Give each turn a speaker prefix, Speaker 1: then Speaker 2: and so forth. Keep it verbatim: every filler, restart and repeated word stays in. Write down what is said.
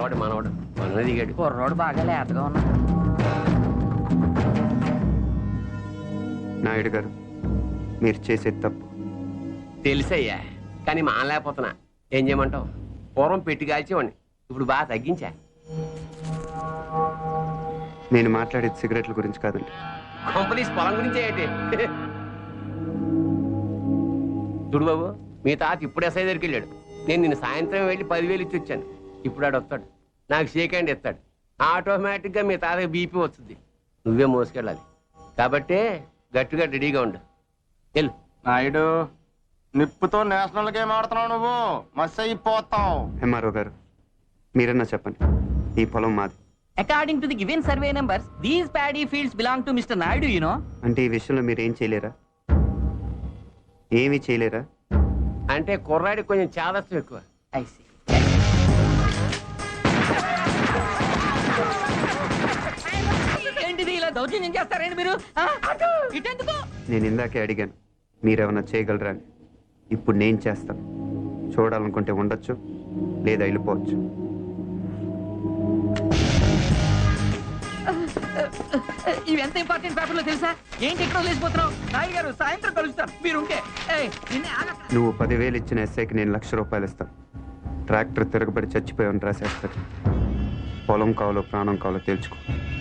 Speaker 1: వాడు మనవాడు మన దిగాడు.
Speaker 2: కుర్రోడు బాగా లేతగా ఉన్నాడు.
Speaker 3: నాయుడు గారు, మీరు చేసేది తప్పు.
Speaker 1: తెలుసయ్యా, కానీ మానలేకపోతున్నా. ఏం చేయమంటావు? పూర్వం పెట్టి కాల్చేవాడిని, ఇప్పుడు బాగా తగ్గించా.
Speaker 3: నేను మాట్లాడేది సిగరెట్ల గురించి కాదండి.
Speaker 1: కంపెనీస్ పొలం గురించి ఏంటి? చూడు బాబు, మీ తాత ఇప్పుడు ఎస్ఐ దగ్గరికి వెళ్ళాడు. నేను నిన్న సాయంత్రం వెళ్ళి పదివేలు ఇచ్చి వచ్చాను. ఇప్పుడు ఆడు వస్తాడు, నాకు షేక్ హ్యాండ్ ఇస్తాడు. ఆటోమేటిక్గా మీ తాతకి బీపీ వస్తుంది. నువ్వే మోసుకెళ్ళాలి కాబట్టి గట్టిగా రెడీగా ఉండు. వెళ్ళు.
Speaker 4: నాయుడు, నిప్పుతో నేషనల్ గేమ్ ఆడుతున్నావు నువ్వు, మస్ అయిపోతావు.
Speaker 3: ఎంఆర్ఓ గారు, మీరన్నా చెప్పండి, ఈ పొలం మాది.
Speaker 2: According to the given survey numbers, these paddy fields belong to Mister Naidu, you know.
Speaker 3: అంటే ఈ విషయంలో మీరు ఏం చేయలేరా? ఏమీ చేయలేరా?
Speaker 1: అంటే కుర్రాడికి కొంచెం చాదస్తం ఎక్కువ.
Speaker 2: I see. ఏంటిది ఇలా దౌర్జన్యం చేస్తారండి మీరు? ఇటెందుకు?
Speaker 3: నేను ఇందాకే అడిగాను మీరేమన్నా చేయగలరా అని. ఇప్పుడు నేను చేస్తాను. చూడాలనుకుంటే ఉండొచ్చు, లేదా వెళ్ళిపోవచ్చు.
Speaker 2: ఇవి ఎంత ఇంపార్టెంట్ పేపర్లో తెలుసా? ఏంటి ఎక్కడో లేచిపోతున్నావు? నాయుడు గారు సాయంత్రం కలుస్తాను మీరుంటే.
Speaker 3: నువ్వు పదివేలు ఇచ్చిన ఎస్ఐకి నేను లక్ష రూపాయలు ఇస్తాను. ట్రాక్టర్ తిరగబడి చచ్చిపోయాను రాసేస్తాడు. పొలం కావాలో ప్రాణం కావాలో తేల్చుకో.